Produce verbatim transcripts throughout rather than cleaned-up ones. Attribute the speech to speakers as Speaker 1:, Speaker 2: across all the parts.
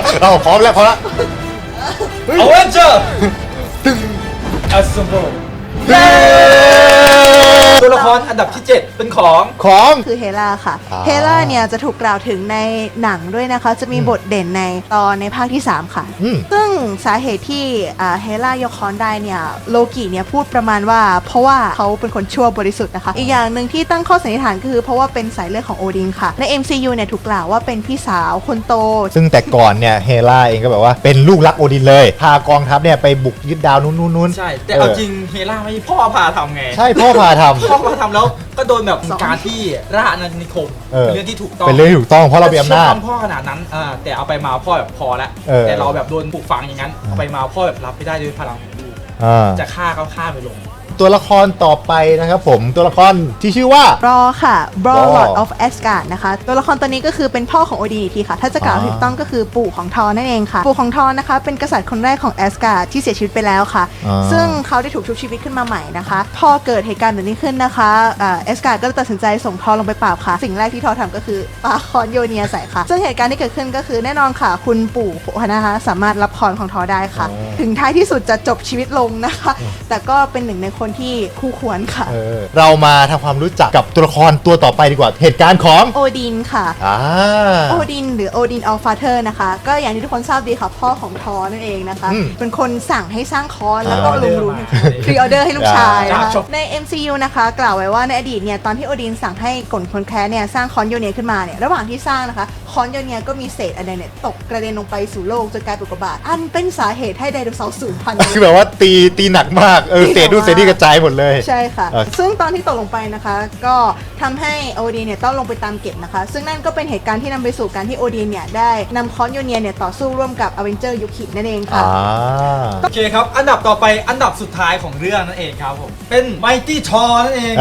Speaker 1: เราพร้อมแล้วพร้อมแล้ว
Speaker 2: เอาเวนเจอร์อัสโบตัวละครอันดับที่เจ็ดเป็นของ
Speaker 1: ของ
Speaker 3: คือเฮล่าค่ะเฮล่าเนี่ยจะถูกกล่าวถึงในหนังด้วยนะคะจะมีบทเด่นในตอนในภาคที่สามค่ะซึ่งสาเหตุที่เฮล่ายกค้อนได้เนี่ยโลกิเนี่ยพูดประมาณว่าเพราะว่าเขาเป็นคนชั่วบริสุทธิ์นะคะอีกอย่างหนึ่งที่ตั้งข้อสันนิษฐานก็คือเพราะว่าเป็นสายเลือดของโอดินค่ะใน เอ็ม ซี ยู เนี่ยถูกกล่าวว่าเป็นพี่สาวคนโต
Speaker 1: ซึ่งแต่ก่อนเนี่ยเฮล่าเองก็แบบว่าเป็นลูกรักโอดินเลยพากองทัพเนี่ยไปบุกยึดดาวนู้นนู้น
Speaker 2: ใช่แต่เอาจริงเฮล่าไม่พ่อพาทำไง
Speaker 1: ใช่พ่อพาทำ
Speaker 2: พ่อพาทำแล้วก็โดนแบบการที่ราชอาณานิคมเป็นเรื่องที่ถูกต้อง
Speaker 1: เป็นเรื่องถูกต้องเพราะเรามีอำนาจ
Speaker 2: พ่อขนาดนั้นแต่เอาไปมาพ่อแบบพอแล้วแต่เราแบบโดนปลูกฝังอย่างนั้นเอาไปมาพ่อแบบรับไม่ได้ด้วยพลังของลูกจะฆ่าเขาฆ่าไปลง
Speaker 1: ตัวละครต่อไปนะครับผมตัวละครที่ชื่อว่า
Speaker 3: บรอค่ะบรอ Lord of Asgard นะคะตัวละครตัวนี้ก็คือเป็นพ่อของโอดินอีกทีค่ะถ้าจะกล่าวถูกต้องก็คือปู่ของทอร์นั่นเองค่ะปู่ของทอร์นะคะเป็นกษัตริย์คนแรกของแอสการ์ดที่เสียชีวิตไปแล้วค่ะซึ่งเขาได้ถูกชุบชีวิตขึ้นมาใหม่นะคะพอเกิดเหตุการณ์แบบนี้ขึ้นนะคะแอสการ์ดก็ตัดสินใจส่งทอร์ลงไปปราบค่ะสิ่งแรกที่ทอร์ทำก็คือปาคอนโยเนียใส่ค่ะซึ่งเหตุการณ์ที่เกิดขึ้นก็คือแน่นอนค่ะคุณปู่นะคะสามารถรับคอนของทอร์ได้ค่ะถึงท้ายที่สุดจะจบชีวิตลงนะคะแต่ก็เป็นหนึ่งในคนที่คู่ควรค่ะ
Speaker 1: เออเรามาทำความรู้จักกับตัวละครตัวต่อไปดีกว่าเหตุการณ์ของ
Speaker 3: โอดินค่ะโอดินหรือโอดินอัลฟาเธอร์นะคะก็อย่างที่ทุกคนทราบดีค่ะพ่อของทอร์นั่นเองนะคะเป็นคนสั่งให้สร้างคอนแล้วก็ลุงลุงพรีออเดอร์ให้ลูกชายนะคะใน เอ็ม ซี ยู นะคะกล่าวไว้ว่าในอดีตเนี่ยตอนที่โอดินสั่งให้กลคนแคร์เนี่ยสร้างคอนโยเนียขึ้นมาเนี่ยระหว่างที่สร้างนะคะคอนโยเนียก็มีเศษอะไรเนี่ยตกกระเด็นลงไปสู่โลกจนกลายเป็นอุกกาบาตอันเป็นสาเหตุให้ไดโนเสาร์สูญพันธุ์
Speaker 1: คือแบบว่าตีตีหนักมากเออเศษดูเศษที่กระจายหมดเลย
Speaker 3: ใช่ค่ะซึ่งตอนที่ตกลงไปนะคะก็ทำให้โอดินเนี่ยต้องลงไปตามเก็บนะคะซึ่งนั่นก็เป็นเหตุการณ์ที่นำไปสู่การที่โอดินเนี่ยได้นำคอนโยเนียเนี่ยต่อสู้ร่วมกับอเวนเจอร์ยุคินั่นเองค่ะ
Speaker 2: โอเคครับอันดับต่อไปอันดับสุดท้ายของเรื่องนั่นเองครับผมเป็นไมตี้ทอร์นั่นเอง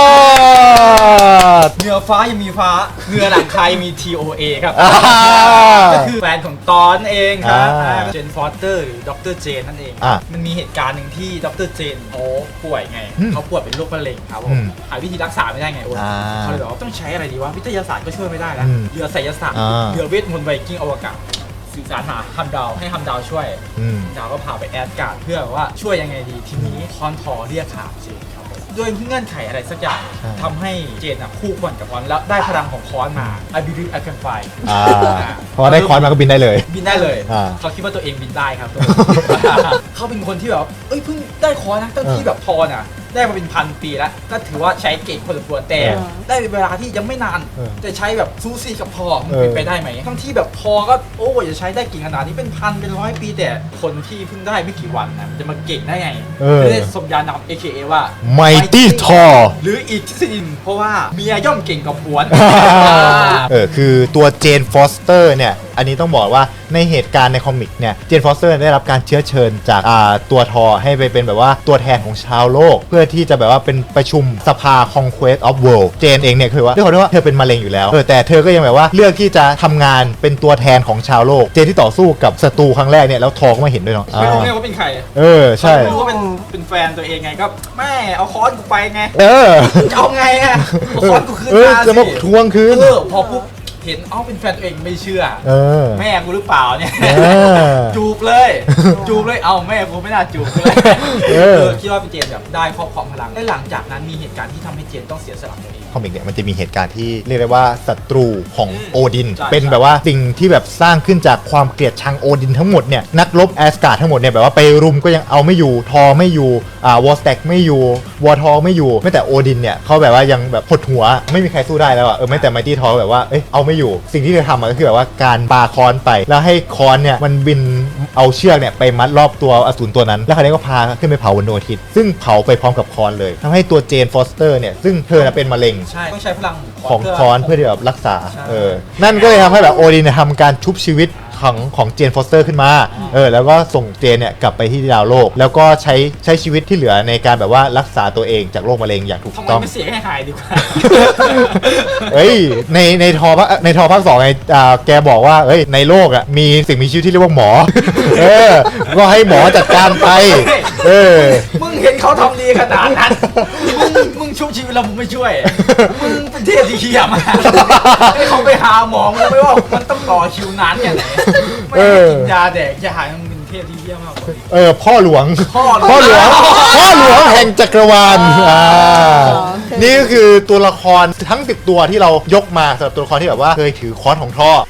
Speaker 2: เหนือฟ้ายังมีฟ้าเหนือหลังคายังมี ที โอ เอ ครับก็คือแฟนของตอนเองครับเจนฟอสเตอร์หรือดรเจนนั่นเองมันมีเหตุการณ์หนึ่งที่ดรเจนเขาป่วยไงเขาป่วยเป็นโรคมะเร็งครับผมหาวิธีรักษาไม่ได้ไงโอ้เขาเลยบอกว่าต้องใช้อะไรดีวะวิทยาศาสตร์ก็ช่วยไม่ได้แล้วเรือไสยศาสตร์เรือเวทมนต์ไวกิ้งอวกาศสื่อสารหาฮัมดาวให้ฮัมดาวช่วยดาวก็พาไปแอดการ์ดเพื่อว่าช่วยยังไงดีทีนี้คอนทอเรียกขาเจนครับด้วยเงื่อนไขอะไรสักอย่างทำให้เจนคู่ควรกับคอนแล้วได้พลังของคอนมา I believe I can fly
Speaker 1: พอได้คอนมาก็บินได้เลย
Speaker 2: บินได้เลยเขาคิดว่าตัวเองบินได้ครับเขาเป็นคนที่แบบเอ้ยเพิ่งได้คอนนะตั้งที่แบบทอนอ่ะได้มาเป็นพันปีแล้วก็ถือว่าใช้เก่งพอสมควรแต่ได้เวลาที่ยังไม่นานแต่ใช้แบบซูซี่กับพอมันเป็นไปได้ไหมทั้งที่แบบพอก็โอ้ยจะใช้ได้เก่งขนาดนี้เป็นพันเป็นร้อยปีแต่คนที่เพิ่งได้ไม่กี่วันนะมันจะมาเก่งได้ไงไม่ได้สมญานาม เอ เค เอ ว่า
Speaker 1: Mighty Thor
Speaker 2: หรืออีกทฤษฎีเพราะว่าเมียย่อมเก่งกว่าผัว
Speaker 1: เออคือตัวเจนฟอสเตอร์เนี่ยอันนี้ต้องบอกว่าในเหตุการณ์ในคอมิกเนี่ยเจนฟอสเตอร์ได้รับการเชื้อเชิญจากตัวทอให้ไปเป็นแบบว่าตัวแทนของชาวโลกเพื่อที่จะแบบว่าเป็นประชุมสภา Conquest of World เจนเองเนี่ยคือว่าด้วยความที่ว่าเธอเป็นมะเร็งอยู่แล้วเออแต่เธอก็ยังแบบว่าเลือกที่จะทำงานเป็นตัวแทนของชาวโลกเจนที่ต่อสู้กับศัตรูครั้งแรกเนี่ยแล้วทอก็มาเห็นด้วยเนาะ
Speaker 2: ไม่รู้ไงว่าเป็นใคร
Speaker 1: เออใช่
Speaker 2: ไม่รู้ว่าเป็นเป็นแฟนตัวเองไงก็แม่เอาค้อนกูไปไง
Speaker 1: เออ
Speaker 2: จะเอาไงอะเอาค้อนกูคืน
Speaker 1: มาสิจะมาทวงคืน
Speaker 2: เออพอปุ๊บเห็นอ้าวเป็นแฟนตัวเองไม่เชื่อแม่กูหรือเปล่าเนี่ยจูบเลยจูบเลยเอาแม่กูไม่น่าจูบเลยเออคิดว่าเป็นเจนแบบได้ครอบครองพลังและหลังจากนั้นมีเหตุการณ์ที่ทำให้เจนต้องเสียสละตัวเอง
Speaker 1: คอมิกเนี่ยมันจะมีเหตุการณ์ที่เรียกได้ว่าศัตรูของโอดินเป็นแบบว่าสิ่งที่แบบสร้างขึ้นจากความเกลียดชังโอดินทั้งหมดเนี่ยนักรบแอสการ์ดทั้งหมดเนี่ยแบบว่าไปรุมก็ยังเอาไม่อยู่ทอไม่อยู่อ่าวอลสแต็กไม่อยู่วอร์ทอไม่อยู่ไม่แต่โอดินเนี่ยเขาแบบว่ายังแบบหดหัวไม่มีใครสู้ได้แล้วอ่ะเออไม่แต่ไมตี้ทอแบบว่าเอ้ยเอาไม่อยู่สิ่งที่เธอทำก็คือแบบว่าการปาค้อนไปแล้วให้ค้อนเนี่ยมันบินเอาเชือกเนี่ยไปมัดรอบตัวอสูรตัวนั้นแล้วคราวนี้ก็พาขึ้นไปเผาบนดวงอาทิตย์ซึ่งเผาไปพร้อมกับค้อนเลยทำให้ตัวเจนฟอสเตอร์เนี่ยซึ่งเธอเป็นมะเร็ง
Speaker 2: ใช่ต้องใช้พลัง
Speaker 1: ของค้อนเพื่อที่แบบรักษาเออนั่นก็เลยทำให้แบบโอดินทำการชุบชีวิตของของเจนฟอสเตอร์ขึ้นมาเออแล้วก็ส่งเจนเนี่ยกลับไปที่ดาวโลกแล้วก็ใช้ใช้ชีวิตที่เหลือในการแบบว่ารักษาตัวเองจากโรคมะเร็งอย่างถูกต้อง
Speaker 2: ทำไมไม่เสียให้หายดีกว่า
Speaker 1: เฮ้ยในในทอในทอภาคสองไงอ่าแกบอกว่าเฮ้ยในโลกอ่ะมีสิ่งมีชีวิตที่เรียกว่าหมอเออก็ให้หมอจัดการไปเออ
Speaker 2: มึงเห็นเขาทำดีขนาดนั้นมึงมึงชุบชีวิตเรามึงไม่ช่วยมึงเป็นเทพที่เหี้ยมากให้เขาไปหาหมอมึงไม่ว่ามันต้องต่อคิวนานแค่ไหนไม่ให้กินยาแดกยามันเป็นเทพที่เยี่ยมมากกว่า
Speaker 1: เออพ่อหลวง
Speaker 2: พ่อ
Speaker 1: พ่อหลวงพ่อหลวงแห่งจักรวาลอ่า
Speaker 3: โอเค
Speaker 1: นี่ก็คือตัวละครทั้งสิบตัวที่เรายกมาสำหรับตัวละครที่แบบว่าเคยถือค้อนของท่อ